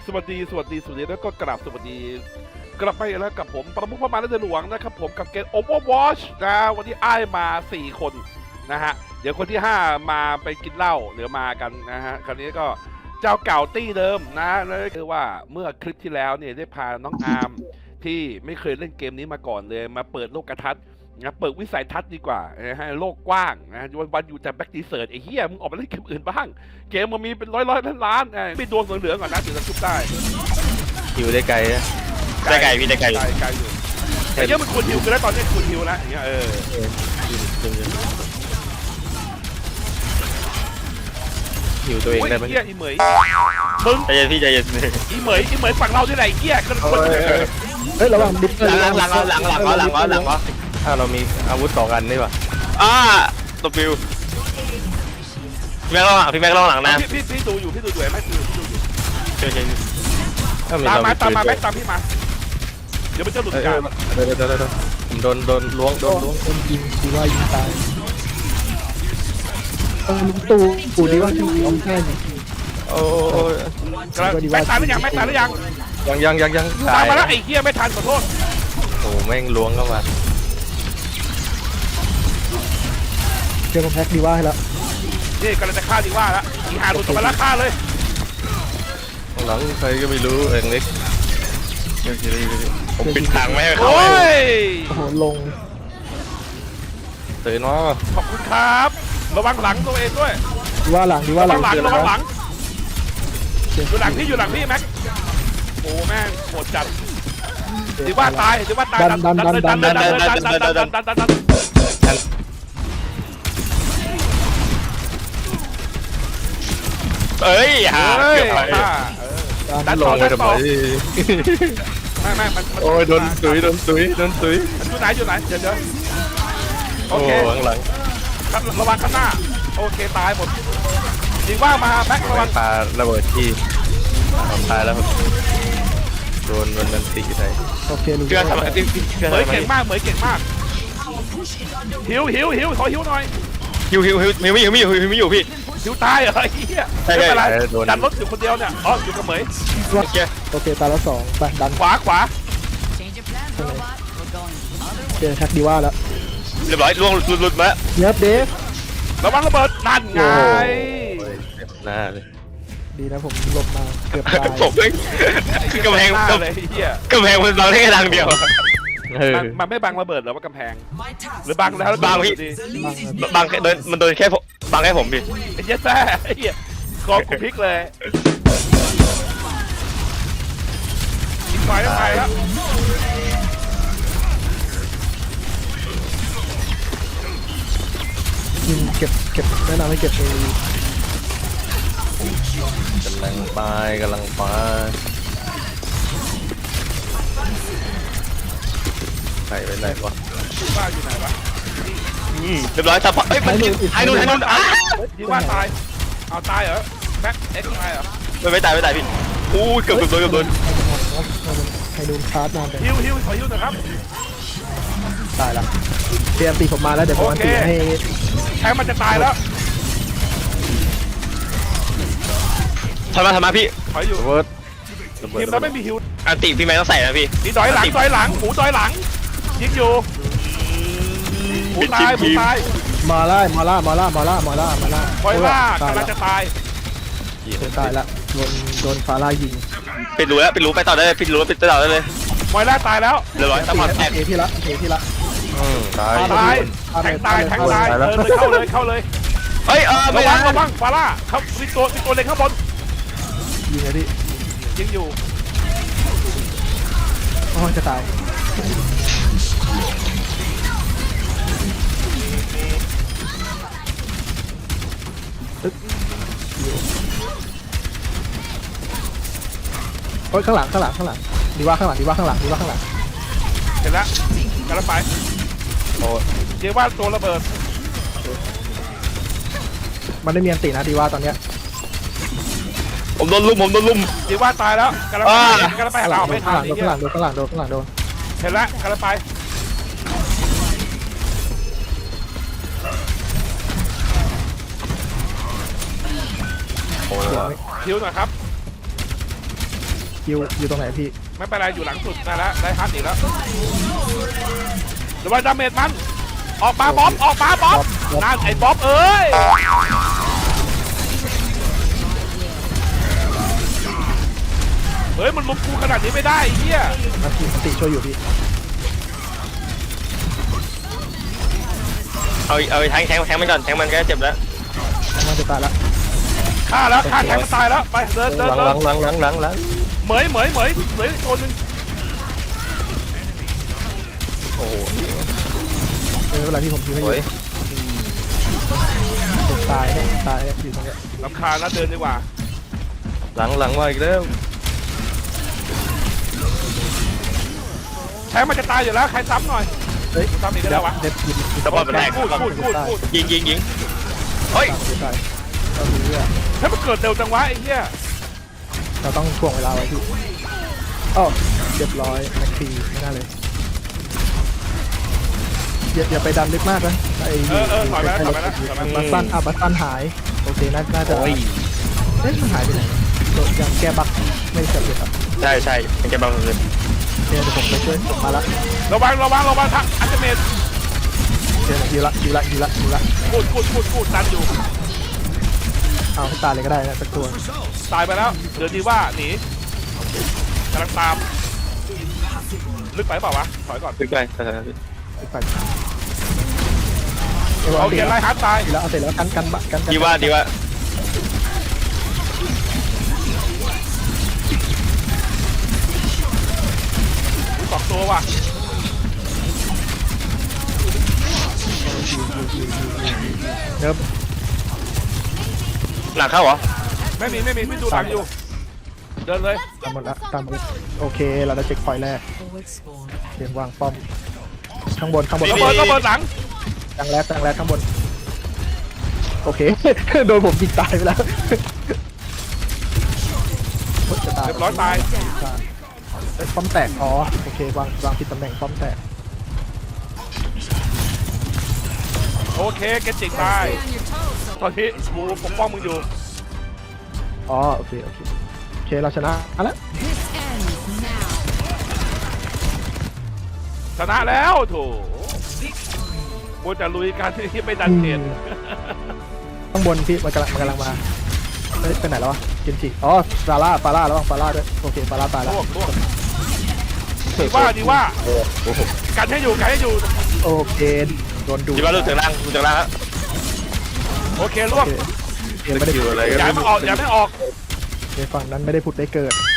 สวัสดีแล้วก็กราบสวัสดีกลับไปแล้วกับผมประมุขพระมารหลวงนะครับผมกับเกม Overwatch นะวันนี้อ้ายมา4คนนะฮะเดี๋ยวคนที่5มาไปกินเหล้าหรือมากันนะฮะคราวนี้ก็เจ้าเก่าตี้เดิมนะนั่นก็คือว่าเมื่อคลิปที่แล้วเนี่ยได้พาน้องอาร์มที่ไม่เคยเล่นเกมนี้มาก่อนเลยมาเปิดโลกทัศน์นะเปิดวิสัยทัศน์ดีกว่านะฮะโลกกว้างนะวันอยู่แต่แบ็กดีเซิร์ตไอ้เหี้ยมึงออกมาเล่นเกมอื่นบ้างเกมมันมีเป็นร้อยล้านไม่ดวงเหลืองๆก่อนนะถึงจะชุบได้หิวได้ไกลนะได้ไกลพี่ได้ไกลไกลอยู่แต่เนี้ยมันควรฮิวกันแล้วตอนนี้ควรฮิวแล้วอย่างเงี้ยหิวตัวเองโอ้ยได้ไหมเหี้ยอีเหมยมึงใจเย็นพี่ใจเย็นอีเหมยฝั่งเราที่ไหนเหี้ยคนคนเฮ้ยระวังดิฟเฟอร์หลังถ้าเรามีอาวุธ2 อันนี่ป่ะตัวฟิวพี่แม็กล่องหลังนะพี่ดูอยู่ไหมดูอยู่เชิญถ้ามีตามเรามามีตามมาปืแม็นกตามพี่มาเดี๋ยวมันจะหลุดเดี๋กันยวผมโดนล้วงโดนยิงดีว่ายิงตายลุงตู่ดีว่ายิงอมแค่นี้โอ้ยแม็กตายหรือยังยังตามมาแล้วไอ้เหี้ยไม่ทันขอโทษโอ้แม่งล้วงเข้ามาเจอมาแพ็กดีว่าให้แล้วนี่กำลังจะฆ่าดีว่าแล้วอีหาหลุดมาแล้วฆ่าเลยหลังใครก็ไม่รู้เองเล็กผมปิดทางไม่ให้เขาโอ้ยโอ้โหลงตื่นมาขอบคุณครับระวังหลังตัวเองด้วยดีว่าหลังระวังหลังอยู่หลังพี่แม็กโอ้แม่งโหดจัดดีว่าตายดันเอ้ยฮะดันลต่องไปทำไมไม่มันโอ้ยโดนตุยอยู่ไหนเดี๋ยวโอโอ้เคหลังระวังข้างหน้าโอเคตายหมดดีว่ามาแม็กระวังปาระเบิดที่ตายแล้วโดนมันตีใส่โอเคลุงเชื่อทำไมเหมยเก่งมากหิวขอหิวหน่อยหิวไม่อยู่พี่หิวตายเหรอไอ้เหี้ยไม่เป็นไรดันรถอยู่คนเดียวเนี่ยอ๋ออยู่กับเหมยโอเคตายแล้ว2ไปดันขวาเจอแพ็กดีว่าแล้วเรียบร้อยล่วงหลุดมาเนิร์ฟเดฟระวังระเบิดนั่นไงหน้าเลยดีนะผมหลบมาเกือบตายผมคือกำแพงเลยเหี้ยกำแพงมันบังได้แค่ทางเดียวมันไม่บังระเบิดหรอว่ากำแพงหรือบังแล้วบังพี่ บังแค่มันโดนแค่บังแค่ผมพี่ไอ้เหี้ยแซ่ไอ้เหี้ยคอกูพลิกเลยอีกฝ่ายก็ไปครับยิงเก็บแนะนำให้เก็บเองกำลังไปใส่ไปไหนวะว่าอยู่ไหนวะเรียบร้อยทับเอ้ยมันไอ้นู่นดีว่าตายเอาตายเหรอแบ็คเอ็กซ์ตายเหรอไม่ตายพี่อู้เกือบโดนให้ดูคาร์ดนานไปฮิวขอฮิวหน่อยครับตายละเตรียมตีผมมาแล้วเดี๋ยวผมอันตีให้แทงมันจะตายแล้วทำมาพี่ถอยอยู่ระเบิดทีมเราไม่มีฮิวอันติพี่แม็กต้องใส่นะพี่นี่ดอยหลังหมูดอยหลังยิงอยู่หมูตายมาล่ากำลังจะตายละโดนฟาร่ายิงปิดรูไปต่อได้เลยปิดต่อได้เลยมอยล่าตายแล้วเรียบร้อยตำรวจแตกเอที่ละตายตายแทงตายเข้าเลยเฮ้ยไม่ได้ระวังฟาร่าครับมีตัวเล็งข้างบนยิงเลยพี่ยิงอยู่โอ้จะตายโอ้ยข้างหลังดีว่าข้างหลังเห็นแล้วกำลังไปโอ้เดี๋ยวว่าตัวระเบิดมันได้มีอันตีนะดีว่าตอนเนี้ยผมโดนลุมเดี๋ยวว่าตายแล้วกำลังไปหาไม่ทันข้างหลังโดนเห็นแล้วกำลังไปโหคิวหน่อยครับคิวอยู่ตรงไหนพี่ไม่เป็นไรอยู่หลังสุดได้แล้วได้ฮัทอีกแล้วเดี๋ยวว่าดาเมจมันออกมาบ๊อบออกมาบ๊อบนั่นไอ้บ๊อบเอ้ยเฮ้ยมันลุมกูขนาดนี้ไม่ได้ไอ้เหี้ยอันติช่วยอยู่พี่เอาแทงมันก่อนแทงมันก็เจ็บแล้วมันจะตายละฆ่าแล้วฆ่าแทงมันตายแล้วไปเดินหลังเหมยตัวนึงโอ้โหไม่เป็นไรพี่ผมทีไม่อโอ้ยู่ยตายเนี่ยอยู่ตรงเนี้ยรำคาญแล้วเดินดีกว่าหลังมาอีกแล้วแทงมันจะตายอยู่แล้วใครซ้ำหน่อยเฮ้ยซ้ำอีกก็ได้วะเด็ดอยู่สปอร์ตมันแทงพูดยิงเฮ้ยตายเราดูเรื่องให้มันเกิดเร็วจังวะไอ้เหี้ยเราต้องถ่วงเวลาไว้พี่อ๋อเรียบร้อยแม็กซี่ไม่น่าเลยอย่าไปดันลึกมากนะไอ้ถอยมาบัสตันหายโอเคน่าจะเอ๊ะมันหายไปไหนยังแก้บั๊กไม่เสร็จเลยครับใช่มันจะบังเลยเดี๋ยวผมไปช่วยมาละระวังทักอันเดเมจเดี๋ยวอยู่ละพูดตันอยู่เอาให้ตายเลยก็ได้นะสักตัวตายไปแล้วเดี๋ยวดีว่าหนีกำลังตามลึกไปเปล่าวะถอยก่อนลึกไปไปเอาเกียร์ไล่ฮัทตายแล้วเอาเสร็จแล้วกันดีว่าสองตัวว่ะเนิบหลังเข้าเหรอไม่มีพี่ดูหลังอยู่เดินเลยตามหมดโอเคเราได้เช็คพอยต์แรกเตรียมวางป้อมข้างบนก็เบิร์หลังตั้งแรกข้างบนโอเค โดนผมยิงตายไปแล้วจะตายเรียบร้อยตายป้อมแตกอ๋อโอเควางผิดตำแหน่งป้อมแตกโอเคเกจิกตายตอนนี้กูปกป้องมึงอยู่อ๋อโอเคเราชนะแล้วชนะแล้วโถกูจะลุยการที่ไม่ดันเกนข้างบนพี่มันกำลังมาไปไหนแล้ววะเกนจิอ๋อฟาร่าระวังฟาร่าด้วยโอเคฟาร่าตายแล้วลวกดีว่ากันให้อยู่โอเคโดนดูดีว่าลูกถึงล่างแล้วโอเคลวกเกมไม่ได้อยู่อะไรอย่าไม่ออกในฝั่งนั้นไม่ได้ผุดได้เกิด